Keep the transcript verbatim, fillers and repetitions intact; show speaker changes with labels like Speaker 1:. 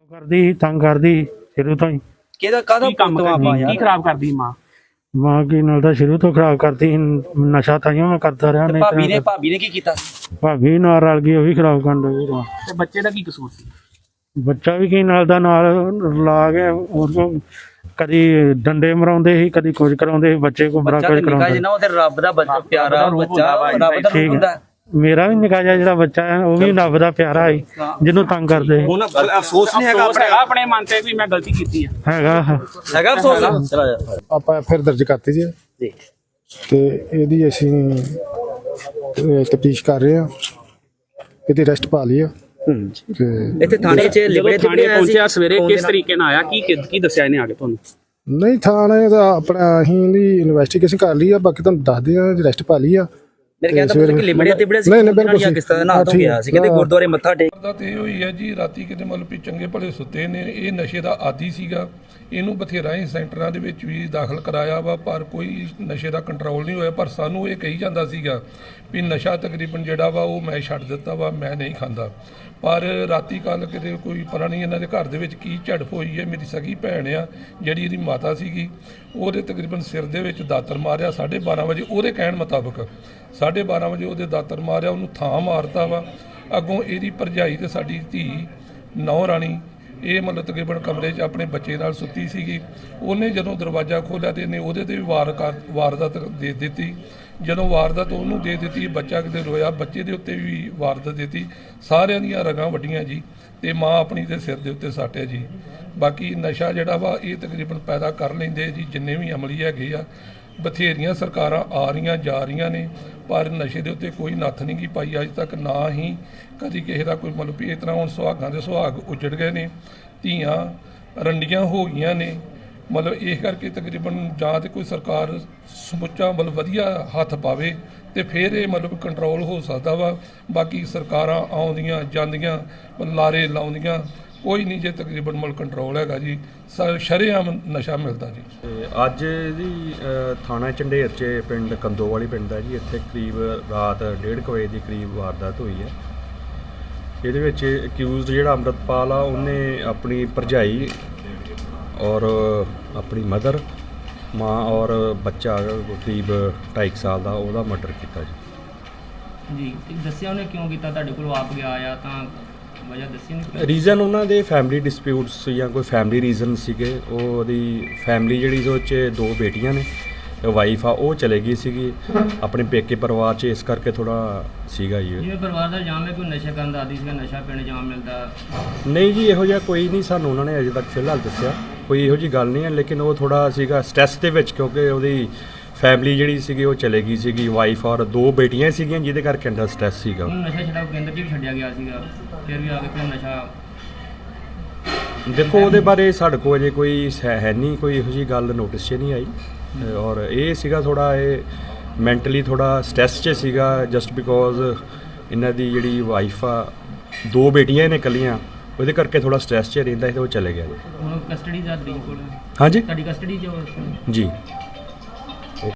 Speaker 1: ਕਰਦੀ ਤੰਗ ਕਰਦੀ ਸ਼ੁਰੂ ਤੋਂ ਹੀ।
Speaker 2: ਕਿਹਦਾ ਕਾਹਦਾ
Speaker 3: ਕੰਮ
Speaker 2: ਪੁੱਤ
Speaker 3: ਕਰਦੀ
Speaker 2: ਆਪਾਂ
Speaker 3: ਕੀ
Speaker 2: ਯਾਰ
Speaker 3: ਖਰਾਬ ਕਰਦੀ ਮਾਂ
Speaker 1: ਮਾਂ ਕੀ ਨਾਲ ਤਾਂ ਸ਼ੁਰੂ ਤੋਂ ਖਰਾਬ ਕਰਦੀ ਸੀ, ਨਸ਼ਾ ਤਾਈਓ ਮੈਂ ਕਰਦਾ ਰਿਹਾ।
Speaker 2: ਤੇ
Speaker 1: ਨਹੀਂ
Speaker 2: ਭਾਬੀ ਨੇ
Speaker 1: ਤਾਂ
Speaker 2: ਭਾਬੀ ਨੇ ਕੀ ਕੀਤਾ?
Speaker 1: ਭਾਬੀ ਨਾਲ ਰਲ ਗਈ, ਉਹ ਵੀ ਖਰਾਬ ਕਰਨ ਲੱਗੀ।
Speaker 3: ਤੇ ਬੱਚੇ ਦਾ ਕੀ ਕਸੂਰ ਸੀ?
Speaker 1: ਬੱਚਾ ਵੀ ਕੀ ਨਾਲ ਦਾ ਨਾਲ ਲਾ ਕੇ ਉਹਨੂੰ ਕਦੀ ਡੰਡੇ ਮਰਾਉਂਦੇ ਸੀ, ਕਦੀ ਕੁਝ ਕਰਾਉਂਦੇ ਸੀ, ਬੱਚੇ ਕੋ ਬੜਾ
Speaker 2: ਬੱਚਾ
Speaker 1: ਕੁਝ
Speaker 2: ਤੇ ਨਿਕਾ
Speaker 1: ਕਰਾਉਂਦੇ।
Speaker 2: ਜਿੰਨਾ ਉਹ ਤੇ ਰੱਬ ਦਾ ਬੱਚਾ ਪਿਆਰਾ
Speaker 3: ਰੂਪ
Speaker 2: ਬੱਚਾ
Speaker 3: ਹੁੰਦਾ ਵਾ,
Speaker 2: ਰੱਬ ਦਾ ਰੂਪ
Speaker 1: ਠੀਕ
Speaker 2: ਹੁੰਦਾ।
Speaker 1: ਹੈ, ਮੇਰਾ ਵੀ ਨਿੱਕਾ ਜਿਹਾ ਜਿਹੜਾ ਬੱਚਾ ਹੈ ਉਹ ਵੀ ਰੱਬ ਦਾ ਪਿਆਰਾ ਹੈ, ਜਿਹਨੂੰ ਤੰਗ ਕਰਦੇ ਸੀ।
Speaker 2: ਹੁਣ ਅਫਸੋਸ ਨਹੀਂ ਹੈਗਾ
Speaker 3: ਅਫਸੋਸ ਹੈਗਾ ਆਪਣੇ ਮਨ ਤੇ ਵੀ ਮੈਂ ਗਲਤੀ ਕੀਤੀ ਆ।
Speaker 1: ਹੈਗਾ
Speaker 2: ਹੈਗਾ ਅਫਸੋਸ? ਚਲਾ ਜਾ
Speaker 4: ਆਪਾਂ ਫਿਰ ਦਰਜ ਕਰਤੀ ਜੀ
Speaker 2: ਜੀ।
Speaker 4: ਤੇ ਇਹਦੀ ਅਸੀਂ ਤਫਤੀਸ਼ ਕਰ ਰਹੇ ਹਾਂ, ਇਹਦੀ ਅਰੈਸਟ ਪਾ ਲਈ ਆ। ਤੇ
Speaker 2: ਇੱਥੇ ਥਾਣੇ 'ਚ
Speaker 3: ਜਦੋਂ
Speaker 2: ਲਿਬੜੇ
Speaker 3: ਥਾਣੇ
Speaker 2: ਤਿਬੜੇ ਆਇਆ ਸੀ
Speaker 3: ਪਹੁੰਚਿਆ ਸਵੇਰੇ ਕਿਸ ਤਰੀਕੇ ਨਾਲ ਆਇਆ, ਕੀ ਕੀ ਦੱਸਿਆ ਇਹਨੇ ਆ ਕੇ ਤੁਹਾਨੂੰ?
Speaker 4: ਨਹੀਂ ਥਾਣੇ ਦਾ ਆਪਣਾ ਅਸੀਂ ਇਹਦੀ ਇਨਵੈਸਟੀਗੇਸ਼ਨ ਕਰ ਲਈ ਆ, ਬਾਕੀ ਤੁਹਾਨੂੰ ਦੱਸਦੇ ਆ ਅਰੈਸਟ ਪਾ ਲਈ ਆ।
Speaker 2: ਮੇਰੇ ਕਹਿੰਦਾ ਪੁੱਤ ਕਿ ਲਿਬੜੇ ਤਿਬੜੇ ਸੀ,
Speaker 4: ਨਹੀਂ ਨਹੀਂ ਬਿਲਕੁਲ
Speaker 2: ਕਿਸ ਤਰ੍ਹਾਂ ਨਾ ਤੋਂ ਗਿਆ ਸੀ, ਕਹਿੰਦੇ ਗੁਰਦੁਆਰੇ ਮੱਥਾ ਟੇਕ
Speaker 5: ਦਾ ਤੇ ਇਹ ਹੋਈ ਹੈ ਜੀ, ਰਾਤੀ ਕਿਤੇ ਮਤਲਬ ਵੀ ਚੰਗੇ ਭਲੇ ਸੁੱਤੇ ਨੇ। ਇਹ ਨਸ਼ੇ ਦਾ ਆਦੀ ਸੀਗਾ, ਇਹਨੂੰ ਬਥੇਰਾ ਹੀ ਸੈਂਟਰਾਂ ਦੇ ਵਿੱਚ ਵੀ ਦਾਖਲ ਕਰਾਇਆ ਵਾ, ਪਰ ਕੋਈ ਨਸ਼ੇ ਦਾ ਕੰਟਰੋਲ ਨਹੀਂ ਹੋਇਆ। ਪਰ ਸਾਨੂੰ ਇਹ ਕਹੀ ਜਾਂਦਾ ਸੀਗਾ ਵੀ ਨਸ਼ਾ ਤਕਰੀਬਨ ਜਿਹੜਾ ਵਾ ਉਹ ਮੈਂ ਛੱਡ ਦਿੱਤਾ ਵਾ, ਮੈਂ ਨਹੀਂ ਖਾਂਦਾ। ਪਰ ਰਾਤੀ ਕੱਲ ਕਿਤੇ ਕੋਈ ਪਤਾ ਨਹੀਂ ਇਹਨਾਂ ਦੇ ਘਰ ਦੇ ਵਿੱਚ ਕੀ ਝੜਪ ਹੋਈ ਹੈ। ਮੇਰੀ ਸਗੀ ਭੈਣ ਆ ਜਿਹੜੀ ਇਹਦੀ ਮਾਤਾ ਸੀਗੀ, ਉਹਦੇ ਤਕਰੀਬਨ ਸਿਰ ਦੇ ਵਿੱਚ ਦਾਤਰ ਮਾਰਿਆ ਸਾਢੇ ਬਾਰਾਂ ਵਜੇ, ਉਹਦੇ ਕਹਿਣ ਮੁਤਾਬਕ ਸਾਢੇ ਬਾਰਾਂ ਵਜੇ ਉਹਦੇ ਦਾਤਰ ਮਾਰਿਆ, ਉਹਨੂੰ ਥਾਂ ਮਾਰਤਾ ਵਾ। ਅੱਗੋਂ ਇਹਦੀ ਭਰਜਾਈ ਤੇ ਸਾਡੀ ਧੀ ਨੌ ਰਾਣੀ ਇਹ ਮਤਲਬ ਤਕਰੀਬਨ ਕਮਰੇ 'ਚ ਆਪਣੇ ਬੱਚੇ ਨਾਲ ਸੁੱਤੀ ਸੀਗੀ। ਉਹਨੇ ਜਦੋਂ ਦਰਵਾਜ਼ਾ ਖੋਲ੍ਹਿਆ ਤੇ ਇਹਨੇ ਉਹਦੇ 'ਤੇ ਵੀ ਵਾਰ ਕਰ ਵਾਰਦਾਤ ਦੇ ਦਿੱਤੀ। ਜਦੋਂ ਵਾਰਦਾਤ ਉਹਨੂੰ ਦੇ ਦਿੱਤੀ, ਬੱਚਾ ਕਿਤੇ ਰੋਇਆ, ਬੱਚੇ ਦੇ ਉੱਤੇ ਵੀ ਵਾਰਦਾਤ ਦਿੱਤੀ। ਸਾਰਿਆਂ ਦੀਆਂ ਰਗਾਂ ਵੱਡੀਆਂ ਜੀ, ਤੇ ਮਾਂ ਆਪਣੀ ਦੇ ਸਿਰ ਦੇ ਉੱਤੇ ਸੱਟ ਹੈ ਜੀ। ਬਾਕੀ ਨਸ਼ਾ ਜਿਹੜਾ ਵਾ ਇਹ ਤਕਰੀਬਨ ਪੈਦਾ ਕਰ ਲੈਂਦੇ ਜੀ ਜਿੰਨੇ ਵੀ ਅਮਲੀ ਹੈਗੇ ਆ। ਬਥੇਰੀਆਂ ਸਰਕਾਰਾਂ ਆ ਰਹੀਆਂ ਜਾ ਰਹੀਆਂ ਨੇ, ਪਰ ਨਸ਼ੇ ਦੇ ਉੱਤੇ ਕੋਈ ਨੱਥ ਨਹੀਂ ਗੀ ਪਾਈ ਅੱਜ ਤੱਕ, ਨਾ ਹੀ ਕਦੀ ਕਿਸੇ ਦਾ ਕੋਈ ਮਤਲਬ ਵੀ ਇਸ ਤਰ੍ਹਾਂ। ਹੁਣ ਸੁਹਾਗਾਂ ਦੇ ਸੁਹਾਗ ਉੱਜੜ ਗਏ ਨੇ, ਧੀਆਂ ਰੰਡੀਆਂ ਹੋ ਗਈਆਂ ਨੇ। ਮਤਲਬ ਇਸ ਕਰਕੇ ਤਕਰੀਬਨ ਜਾਂ ਤਾਂ ਕੋਈ ਸਰਕਾਰ ਸਮੁੱਚਾ ਮਤਲਬ ਵਧੀਆ ਹੱਥ ਪਾਵੇ ਤੇ ਫਿਰ ਇਹ ਮਤਲਬ ਕੰਟਰੋਲ ਹੋ ਸਕਦਾ ਵਾ। ਬਾਕੀ ਸਰਕਾਰਾਂ ਆਉਂਦੀਆਂ ਜਾਂਦੀਆਂ ਲਾਰੇ ਲਾਉਂਦੀਆਂ, ਕੋਈ ਨਹੀਂ ਜੇ ਤਕਰੀਬਨ ਮਤਲਬ ਕੰਟਰੋਲ ਹੈਗਾ ਜੀ। ਸ਼ਰੇਆਮ ਨਸ਼ਾ ਮਿਲਦਾ ਜੀ।
Speaker 6: ਤੇ ਅੱਜ ਜੀ ਥਾਣਾ ਝੰਡੇਰ 'ਚ ਪਿੰਡ ਕੰਦੋਵਾਲੀ ਪਿੰਡ ਦਾ ਜੀ, ਇੱਥੇ ਕਰੀਬ ਰਾਤ ਡੇਢ ਕੁ ਵਜੇ ਦੀ ਕਰੀਬ ਵਾਰਦਾਤ ਹੋਈ ਹੈ। ਇਹਦੇ ਵਿੱਚ ਅਕਿਊਜ਼ਡ ਜਿਹੜਾ ਅੰਮ੍ਰਿਤਪਾਲ ਆ, ਉਹਨੇ ਆਪਣੀ ਭਰਜਾਈ ਔਰ ਆਪਣੀ ਮਦਰ, ਮਾਂ ਔਰ ਬੱਚਾ ਕਰੀਬ ਢਾਈ ਸਾਲ ਦਾ, ਉਹਦਾ ਮਰਡਰ ਕੀਤਾ ਜੀ।
Speaker 7: ਜੀ ਤੇ ਦੱਸਿਆ ਉਹਨੇ ਕਿਉਂ ਕੀਤਾ? ਤੁਹਾਡੇ ਕੋਲ ਆਪ ਗਿਆ ਆ ਤਾਂ ਵਜ੍ਹਾ ਦੱਸੀ ਨਹੀਂ?
Speaker 6: ਰੀਜ਼ਨ ਉਹਨਾਂ ਦੇ ਫੈਮਿਲੀ ਡਿਸਪਿਊਟਸ ਜਾਂ ਕੋਈ ਫੈਮਿਲੀ ਰੀਜ਼ਨ ਸੀਗੇ। ਉਹ ਉਹਦੀ ਫੈਮਿਲੀ ਜਿਹੜੀ ਉਹ 'ਚ ਦੋ ਬੇਟੀਆਂ ਨੇ, ਵਾਈਫ ਆ ਉਹ ਚਲੇ ਗਈ ਸੀਗੀ ਆਪਣੇ ਪੇਕੇ ਪਰਿਵਾਰ 'ਚ, ਇਸ ਕਰਕੇ ਥੋੜਾ ਸੀਗਾ ਜੀ।
Speaker 7: ਜਿਵੇਂ ਪਰਿਵਾਰ ਦਾ ਇਲਜ਼ਾਮ ਹੈ ਕੋਈ ਨਸ਼ਾ ਕਰਨ ਦਾ ਆਦੀ ਸੀਗਾ, ਨਸ਼ਾ ਪੀਣ ਇਲਜ਼ਾਮ ਮਿਲਦਾ।
Speaker 6: ਨਹੀਂ ਜੀ, ਇਹੋ ਜਿਹਾ ਕੋਈ ਨਹੀਂ ਸਾਨੂੰ ਉਹਨਾਂ ਨੇ ਅਜੇ ਤੱਕ ਫਿਲਹਾਲ ਦੱਸਿਆ, ਕੋਈ ਇਹੋ ਜਿਹੀ ਗੱਲ ਨਹੀਂ ਹੈ। ਲੇਕਿਨ ਉਹ ਥੋੜਾ ਸੀਗਾ ਸਟ੍ਰੈਸ ਦੇ ਵਿੱਚ, ਕਿਉਂਕਿ ਉਹਦੀ ਫੈਮਿਲੀ ਜਿਹੜੀ ਸੀਗੀ ਉਹ ਚਲੇ ਗਈ ਸੀਗੀ, ਵਾਈਫ ਔਰ ਦੋ ਬੇਟੀਆਂ ਸੀਗੀਆਂ, ਜਿਹਦੇ ਕਰਕੇ ਅੰਦਰ ਸਟ੍ਰੈਸ ਸੀਗਾ।
Speaker 7: ਉਹਨੂੰ ਨਸ਼ਾ ਛਡਾਓ ਕੇਂਦਰ 'ਚ ਵੀ ਛੱਡਿਆ ਗਿਆ ਸੀਗਾ, ਫਿਰ ਵੀ ਆ ਕੇ ਫਿਰ ਨਸ਼ਾ।
Speaker 6: ਦੇਖੋ ਉਹਦੇ ਬਾਰੇ ਸਾਡੇ ਕੋਲ ਅਜੇ ਕੋਈ ਹੈ ਨਹੀਂ, ਕੋਈ ਇਹੋ ਜਿਹੀ ਗੱਲ ਨੋਟਿਸ 'ਚ ਨਹੀਂ ਆਈ। ਔਰ ਇਹ ਸੀਗਾ ਥੋੜਾ ਇਹ ਮੈਂਟਲੀ ਥੋੜਾ ਸਟ੍ਰੈਸ 'ਚ ਸੀਗਾ, ਜਸਟ ਬਿਕੋਜ਼ ਇਹਨਾਂ ਦੀ ਜਿਹੜੀ ਵਾਈਫ ਆ, ਦੋ ਬੇਟੀਆਂ ਨੇ ਇਕੱਲੀਆਂ, ਉਹਦੇ ਕਰਕੇ ਥੋੜਾ ਸਟ੍ਰੈਸ 'ਚ ਰਹਿੰਦਾ ਸੀ ਤੇ ਉਹ ਚਲੇ ਗਿਆ ਜੀ।
Speaker 7: ਹੁਣ ਕਸਟਡੀ ਦਾ ਤਰੀਕ ਕੋਲ
Speaker 6: ਹਾਂਜੀ
Speaker 7: ਤੁਹਾਡੀ ਕਸਟਡੀ 'ਚ ਹੋ?
Speaker 6: ਜੀ।